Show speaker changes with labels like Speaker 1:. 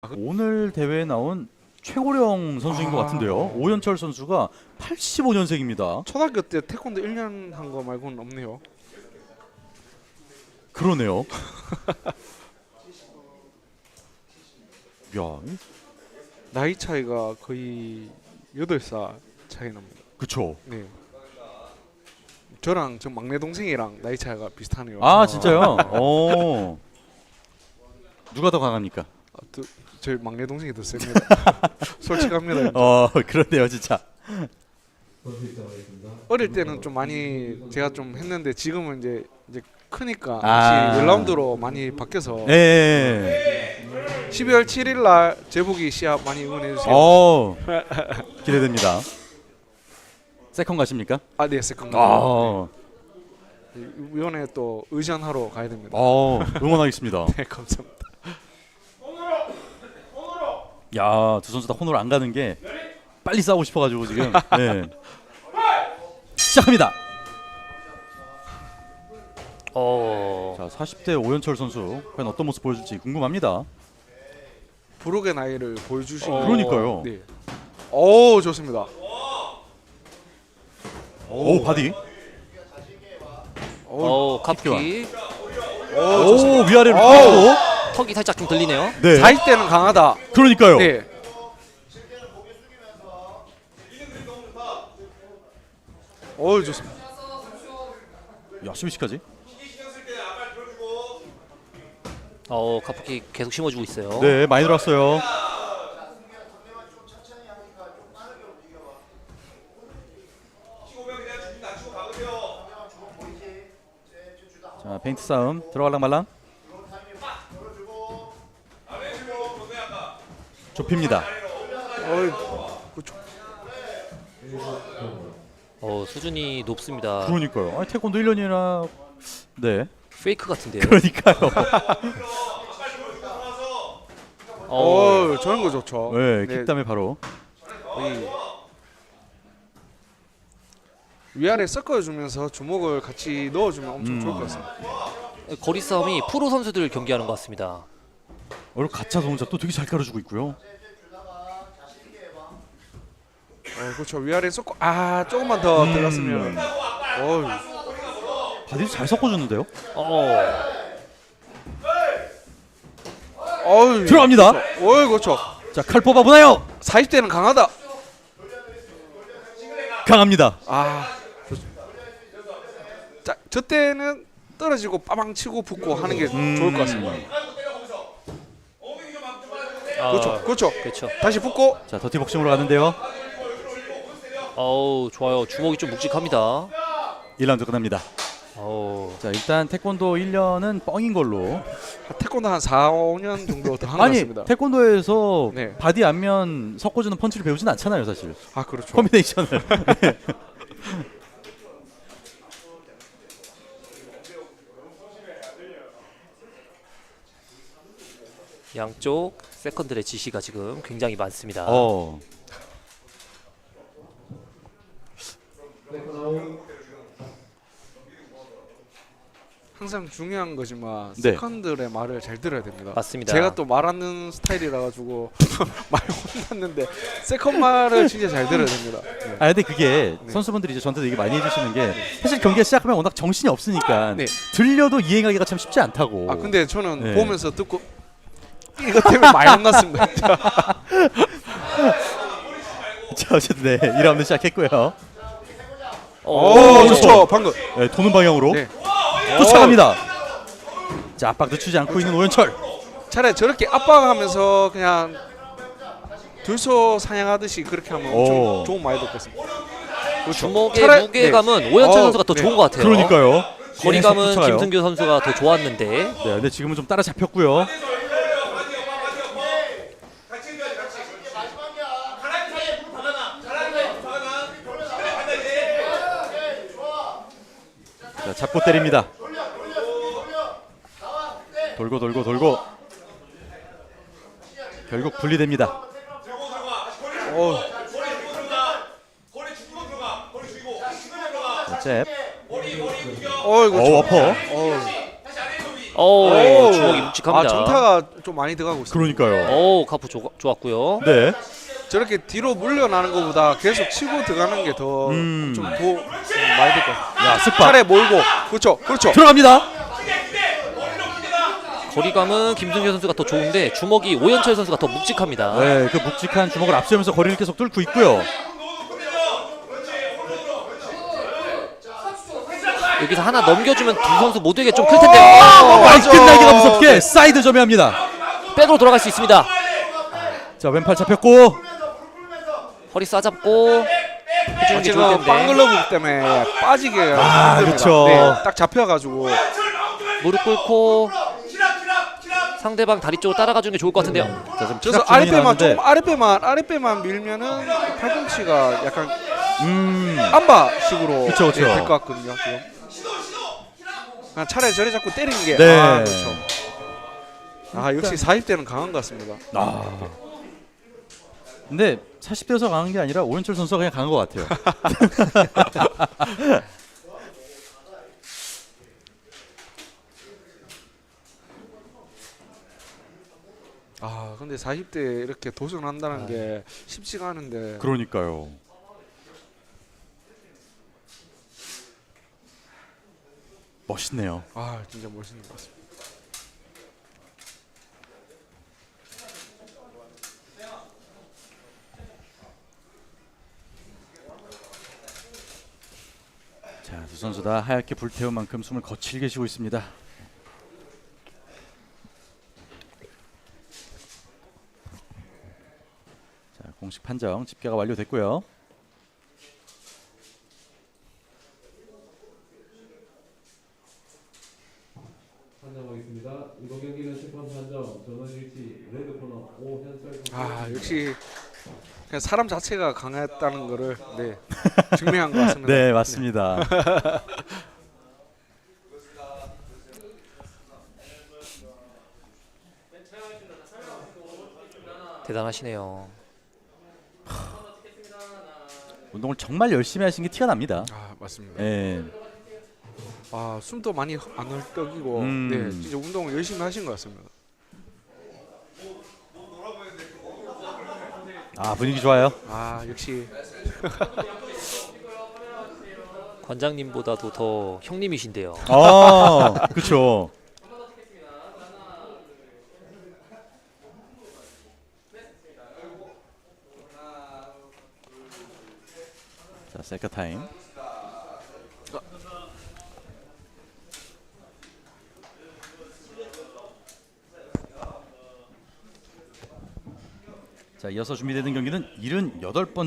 Speaker 1: 오늘 대회에 나온 최고령 선수인 것 같은데요. 오연철 선수가 85년생입니다.
Speaker 2: 초등학교 때 태권도 1년 한 거 말고는 없네요.
Speaker 1: 그러네요. 야,
Speaker 2: 나이 차이가 거의 8살 차이 납니다.
Speaker 1: 그쵸.
Speaker 2: 네. 저랑 저 막내 동생이랑 나이 차이가 비슷하네요.
Speaker 1: 아, 진짜요? 오. 누가 더 강합니까?
Speaker 2: 저희 막내 동생이 더 셉니다. 솔직합니다.
Speaker 1: 그렇네요, 진짜.
Speaker 2: 어릴 때는 좀 많이 제가 좀 했는데 지금은 이제 크니까
Speaker 1: 아.
Speaker 2: 1라운드로 많이 바뀌어서
Speaker 1: 예.
Speaker 2: 12월 7일 날 제복이 시합 많이 응원해 주세요.
Speaker 1: 기대됩니다. 세컨 가십니까?
Speaker 2: 아, 네, 세컨드. 위원회 또 의전하러 가야 됩니다.
Speaker 1: 응원하겠습니다.
Speaker 2: 네, 감사합니다.
Speaker 1: 야, 두 선수 다 혼으로 안 가는 게 빨리 싸우고 싶어가지고 지금. 네. 시작합니다. 자, 40대 오연철 선수 과연 어떤 모습 보여줄지 궁금합니다.
Speaker 2: 부록의 나이를 보여주시고.
Speaker 1: 그러니까요.
Speaker 2: 네. 오, 좋습니다.
Speaker 1: 오, 바디.
Speaker 3: 카프키.
Speaker 1: 오, 위아래로 고
Speaker 3: 턱이 살짝 좀 들리네요.
Speaker 1: 네.
Speaker 2: 40대는 강하다.
Speaker 1: 그러니까요.
Speaker 2: 네. 오, 좋습니다.
Speaker 1: 야, 스위치까지.
Speaker 3: 카프키 계속 심어주고 있어요.
Speaker 1: 네, 많이 들어왔어요. 자, 페인트 싸움 들어갈랑 말랑. 좁힙니다.
Speaker 3: 수준이 높습니다.
Speaker 1: 그러니까요. 아니, 태권도 1년이나 네.
Speaker 3: 페이크 같은데요.
Speaker 1: 그러니까요.
Speaker 2: 저런 거 좋죠.
Speaker 1: 네, 킥담에 바로.
Speaker 2: 위아래 섞어주면서 주먹을 같이 넣어주면 엄청 좋을 것 같습니다.
Speaker 3: 거리 싸움이 프로 선수들 경기하는 것 같습니다.
Speaker 1: 오늘 가짜 동작도 되게 잘 가르쳐주고 있고요.
Speaker 2: 그렇죠. 위아래 섞고 조금만 더 들어갔으면.
Speaker 1: 바디도 잘 섞어주는데요. 들어갑니다.
Speaker 2: 그렇죠.
Speaker 1: 자, 칼 뽑아보나요?
Speaker 2: 40대는 강하다.
Speaker 1: 강합니다.
Speaker 2: 자, 저 때는 떨어지고 빠방 치고 붙고 하는 게 좋을 것 같습니다. 그렇죠.
Speaker 3: 그렇죠.
Speaker 2: 다시 붙고.
Speaker 1: 자, 더티복싱으로 가는데요.
Speaker 3: 좋아요. 주먹이 좀 묵직합니다.
Speaker 1: 1라운드 끝납니다. 자, 일단 태권도 1년은 뻥인 걸로.
Speaker 2: 태권도 한 4, 5년 정도 더 한 것
Speaker 1: 아니,
Speaker 2: 같습니다.
Speaker 1: 태권도에서
Speaker 2: 네.
Speaker 1: 바디 안면 섞어주는 펀치를 배우진 않잖아요, 사실.
Speaker 2: 그렇죠.
Speaker 1: 커뮤니케이션을. 네.
Speaker 3: 양쪽 세컨들의 지시가 지금 굉장히 많습니다.
Speaker 2: 항상 중요한 거지만
Speaker 1: 네.
Speaker 2: 세컨들의 말을 잘 들어야 됩니다.
Speaker 3: 맞습니다.
Speaker 2: 제가 또 말하는 스타일이라 가지고 많이 혼났는데 세컨 말을 진짜 잘 들어야 됩니다. 네.
Speaker 1: 근데 그게 선수분들이 이제 저한테도 얘기 많이 해주시는 게 사실 경기가 시작하면 워낙 정신이 없으니까
Speaker 2: 네.
Speaker 1: 들려도 이행하기가 참 쉽지 않다고.
Speaker 2: 근데 저는
Speaker 1: 네.
Speaker 2: 보면서 듣고 이것 때문에 많이 혼났습니다.
Speaker 1: 자, 어쨌든 네, 2라운드 시작했고요.
Speaker 2: 좋죠. 방금.
Speaker 1: 네, 도는 방향으로
Speaker 2: 네.
Speaker 1: 쫓아갑니다. 자, 압박 늦추지 않고 있는 오연철.
Speaker 2: 차라리 저렇게 압박하면서 그냥 들소 사냥하듯이 그렇게 하면 엄청 좋은 많이 듣겠습니다. 그렇죠.
Speaker 3: 주먹의 무게감은 오연철 선수가 더 좋은 것 같아요.
Speaker 1: 그러니까요.
Speaker 3: 거리감은
Speaker 1: 쫓아가요.
Speaker 3: 김승규 선수가 더 좋았는데.
Speaker 1: 네, 근데 지금은 좀 따라잡혔고요. 자, 잡고 때립니다. 돌고 결국 분리됩니다. 자, 잽.
Speaker 2: 그렇죠.
Speaker 1: 어퍼.
Speaker 3: 오,
Speaker 2: 오,
Speaker 3: 주먹이 묵직합니다.
Speaker 2: 정타가 좀 많이 들어가고 있습니다.
Speaker 1: 그러니까요.
Speaker 3: 오, 카프 좋았고요.
Speaker 1: 네.
Speaker 2: 저렇게 뒤로 물려나는 것보다 계속 치고 들어가는 게 더 좀 더 많이 될 것 같아요.
Speaker 1: 야, 쓱박
Speaker 2: 팔에 몰고 그렇죠.
Speaker 1: 들어갑니다.
Speaker 3: 거리감은 김승현 선수가 더 좋은데 주먹이 오연철 선수가 더 묵직합니다.
Speaker 1: 네, 그 묵직한 주먹을 앞세우면서 거리를 계속 뚫고 있고요.
Speaker 3: 여기서 하나 넘겨주면 두 선수 모두에게 좀 클 텐데요.
Speaker 1: 많이 끝나기가 무섭게 사이드 점유합니다.
Speaker 3: 백으로 돌아갈 수 있습니다.
Speaker 1: 자, 왼팔 잡혔고
Speaker 3: 허리 싸잡고 해주는 게 좋을
Speaker 2: 지금
Speaker 3: 텐데.
Speaker 2: 빵글러브 때문에 빠지게
Speaker 1: 아,
Speaker 2: 힘듭니다.
Speaker 1: 그렇죠.
Speaker 2: 네, 딱 잡혀가지고
Speaker 3: 무릎 꿇고 상대방 다리 쪽으로 따라가 주는 게 좋을 것 같은데요.
Speaker 1: 자, 지금
Speaker 2: 저서
Speaker 1: 피각 주문이
Speaker 2: 아랫배만 좀
Speaker 1: 나왔는데,
Speaker 2: 아랫배만 밀면은 팔꿈치가 약간
Speaker 1: 음,
Speaker 2: 안바식으로
Speaker 1: 그쵸, 그쵸.
Speaker 2: 될 것 같거든요. 지금 그냥 차라리 저리 자꾸 때리는 게
Speaker 1: 네.
Speaker 2: 그렇죠. 역시 40대는 강한 것 같습니다.
Speaker 1: 근데 40대여서 강한 게 아니라 오연철 선수가 그냥 강한 것 같아요.
Speaker 2: 근데 40대 이렇게 도전한다는 게 쉽지가 않은데
Speaker 1: 그러니까요. 멋있네요.
Speaker 2: 진짜 멋있는 것 같습니다.
Speaker 1: 자, 두 선수 다 하얗게 불태운 만큼 숨을 거칠게 쉬고 있습니다. 자, 공식 판정 집계가 완료됐고요.
Speaker 4: 판정하겠습니다. 이번 경기는 심판 판정 전원일치 레드 코너 오현철 선수.
Speaker 2: 역시 그냥 사람 자체가 강했다는 거를 증명한 것 같습니다.
Speaker 1: 네, 맞습니다.
Speaker 3: 대단하시네요.
Speaker 1: 운동을 정말 열심히 하신 게 티가 납니다.
Speaker 2: 맞습니다.
Speaker 1: 예.
Speaker 2: 숨도 많이 안 헐떡이고 진짜 운동을 열심히 하신 것 같습니다.
Speaker 1: 분위기 좋아요.
Speaker 2: 역시
Speaker 3: 관장님보다도 더 형님이신데요.
Speaker 1: 그렇죠. 자, 세컨 타임. 자, 이어서 준비되는 경기는 78번